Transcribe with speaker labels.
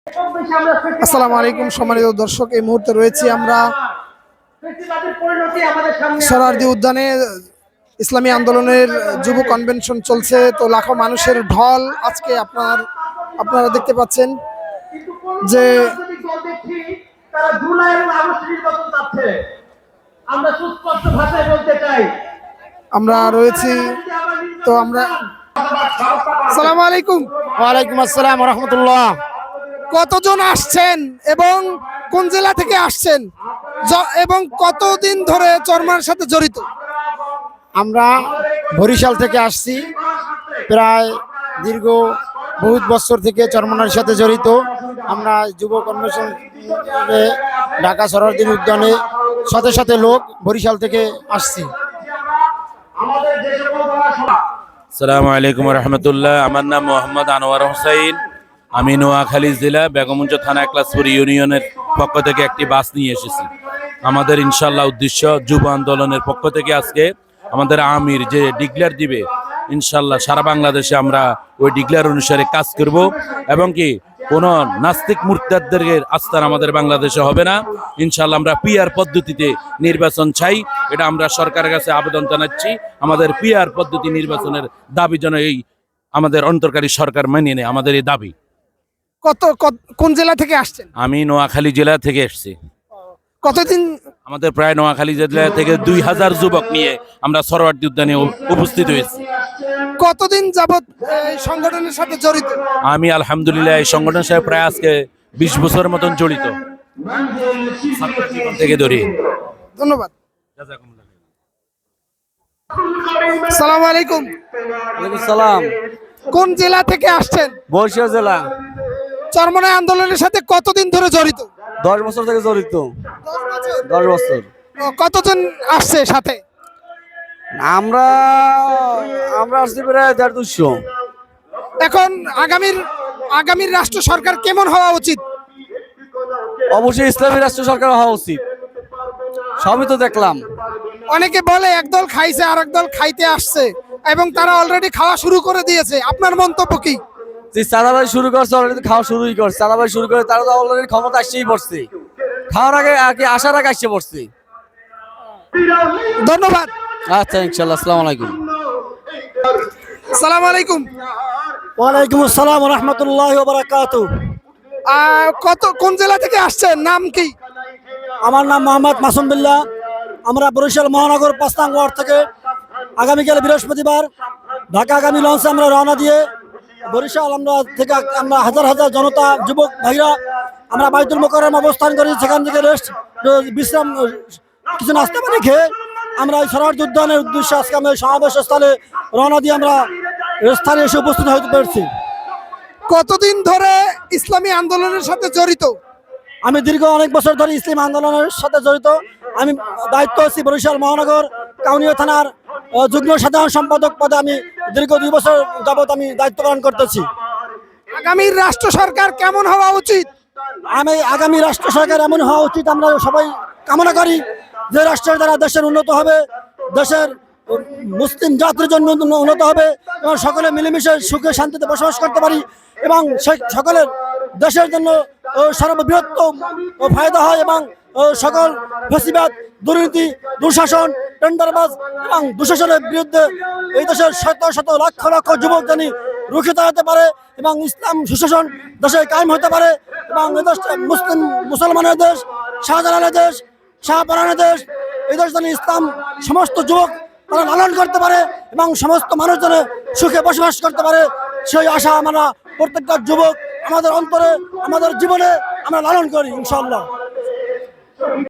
Speaker 1: আসসালামু আলাইকুম সম্মানিত দর্শক, এই মুহূর্তে রয়েছি আমরা সোহরাওয়ার্দী উদ্যানে। ইসলামী আন্দোলনের যুব কনভেনশন চলছে, তো লাখো মানুষের ঢল আজকে আপনারা দেখতে পাচ্ছেন যে আমরা রয়েছি। তো আমরা আসসালামু আলাইকুম।
Speaker 2: ওয়ালাইকুম আসসালাম ওয়া রাহমাতুল্লাহ।
Speaker 1: কতজন আসছেন এবং কোন জেলা থেকে আসছেন এবং কতদিন ধরে চরমার সাথে জড়িত?
Speaker 2: আমরা বরিশাল থেকে আসছি, প্রায় দীর্ঘ বহুত বছর থেকে চরমনার সাথে জড়িত। আমরা যুব কনভেনশন ঢাকা সোহরাওয়ার্দী উদ্যানে সাথে সাথে লোক বরিশাল থেকে আসছি।
Speaker 3: আসসালামু আলাইকুম রহমতুল্লাহ। আমার নাম মোহাম্মদ আনোয়ার হোসাইন। আমি নোয়াখালী জেলা বেগমগঞ্জ থানা একলাসপুর ইউনিয়নের পক্ষ থেকে একটি বাস নিয়ে এসেছি। আমাদের ইনশাল্লাহ উদ্দেশ্য যুব আন্দোলনের পক্ষ থেকে আজকে আমাদের আমির যে ডিক্লেয়ার দিবে, ইনশাল্লাহ সারা বাংলাদেশে আমরা ওই ডিক্লেয়ার অনুসারে কাজ করব এবং কি কোনো নাস্তিক মুরতাদদের আস্থান আমাদের বাংলাদেশে হবে না। ইনশাল্লাহ আমরা পিআর পদ্ধতিতে নির্বাচন চাই, এটা আমরা সরকারের কাছে আবেদন জানাচ্ছি। আমাদের পিআর পদ্ধতি নির্বাচনের দাবি যেন এই আমাদের অন্তর্কারী সরকার মেনে নেয়, আমাদের এই দাবি।
Speaker 1: কোন জেলা থেকে আসছেন?
Speaker 3: আমি নোয়াখালী জেলা থেকে এসেছি।
Speaker 1: কতদিন?
Speaker 3: আমাদের প্রায় নোয়াখালী জেলা থেকে 2000 যুবক নিয়ে আমরা সোহরাওয়ার্দী উদ্যানে উপস্থিত হয়েছি।
Speaker 1: কতদিন যাবত এই সংগঠনের সাথে জড়িত?
Speaker 3: আমি আলহামদুলিল্লাহ এই সংগঠনের সাথে প্রায় আজকে 20 বছরের মতন জড়িত থেকে ধরি।
Speaker 1: ধন্যবাদ। আসসালামু আলাইকুম।
Speaker 2: সালাম।
Speaker 1: কোন জেলা থেকে আসছেন?
Speaker 2: বরিশাল জেলা।
Speaker 1: চরমনাই আন্দোলনের সাথে কতদিন ধরে জড়িত?
Speaker 2: 10 বছর থেকে জড়িত। 10 বছর।
Speaker 1: কতজন আসছে সাথে?
Speaker 2: আমরা আসছি প্রায় 150।
Speaker 1: এখন আগামীর রাষ্ট্র সরকার কেমন হওয়া উচিত?
Speaker 2: অবশ্যই ইসলামী রাষ্ট্র সরকার হওয়া উচিত। সবই তো দেখলাম।
Speaker 1: অনেকে বলে একদল খাইছে আর একদল খাইতে আসছে এবং তারা অলরেডি খাওয়া শুরু করে দিয়েছে, আপনার মন্তব্য কি?
Speaker 2: যে চাঁদাবাজি শুরু করছে, অলরেডি খাওয়া শুরুই করছে। চাঁদাবাজি শুরু করে তারা তো অলরেডি ক্ষমতা আসছেই পড়ছে, খাওয়ার আগে আর কি আসার আগে আসছে পড়ছে।
Speaker 1: ধন্যবাদ।
Speaker 2: আচ্ছা, ইনশাল্লাহ। আসসালামু আলাইকুম।
Speaker 1: আসসালামু আলাইকুম।
Speaker 2: ওয়ালাইকুম আসসালাম ওয়া রাহমাতুল্লাহি ওয়া বারাকাতুহু।
Speaker 1: কোন জেলা থেকে আসছেন, নাম কি?
Speaker 2: আমার নাম মোহাম্মদ মাসুম বিল্লাহ। আমরা বরিশাল মহানগর 5 নং ওয়ার্ড থেকে আগামীকাল বৃহস্পতিবার ঢাকাগামী লঞ্চে আমরা রওনা দিয়ে বরিশাল আমরা হাজার হাজার জনতা যুবক ভাইরা আমরা বাইতুল মোকাররম অবস্থান করি। সেখান থেকে বিশ্রাম কিছু নাস্তা পানি খেয়ে আমরা এই সোহরাওয়ার্দী উদ্যানের উদ্দেশ্যে আজকে আমরা সমাবেশ স্থলে রওনা দিয়ে আমরা স্থানে এসে উপস্থিত হতে পেরেছি।
Speaker 1: কতদিন ধরে ইসলামী আন্দোলনের সাথে জড়িত?
Speaker 2: আমি দীর্ঘ অনেক বছর ধরে ইসলামী আন্দোলনের সাথে জড়িত। আমি দায়িত্ব আছি বরিশাল মহানগর কাউনিয়া থানার যুগ্ম সাধারণ সম্পাদক পদে। আমি দীর্ঘ 2 বছর যাবত আমি দায়িত্ব পালন করতেছি।
Speaker 1: আগামীর রাষ্ট্র সরকার কেমন হওয়া উচিত?
Speaker 2: আগামী রাষ্ট্র সরকার এমন হওয়া উচিত, আমরা সবাই কামনা করি যে রাষ্ট্রের দ্বারা দেশের উন্নত হবে, দেশের মুসলিম জাতির জন্য উন্নত হবে এবং সকলে মিলেমিশে সুখে শান্তিতে বসবাস করতে পারি এবং সকলের দেশের জন্য সর্ববৃহত্তম ফায়দা হয় এবং সকল ফ্যাসিবাদ, দুর্নীতি, দুঃশাসন, টেন্ডারবাজ এবং দুঃশাসনের বিরুদ্ধে এই দেশের শত শত লক্ষ লক্ষ যুবক জানি রুখে দাঁড়াতে পারে এবং ইসলাম সুশাসন দেশে কায়েম হতে পারে এবং এদেশ মুসলমানের দেশ, শাহজালালের দেশ, শাহপরানের দেশ, এই দেশ যেন ইসলাম সমস্ত যুবক তারা লালন করতে পারে এবং সমস্ত মানুষ যেন সুখে বসবাস করতে পারে, সেই আশা আমরা প্রত্যেকটা যুবক আমাদের অন্তরে, আমাদের জীবনে আমরা লালন করি ইনশাআল্লাহ।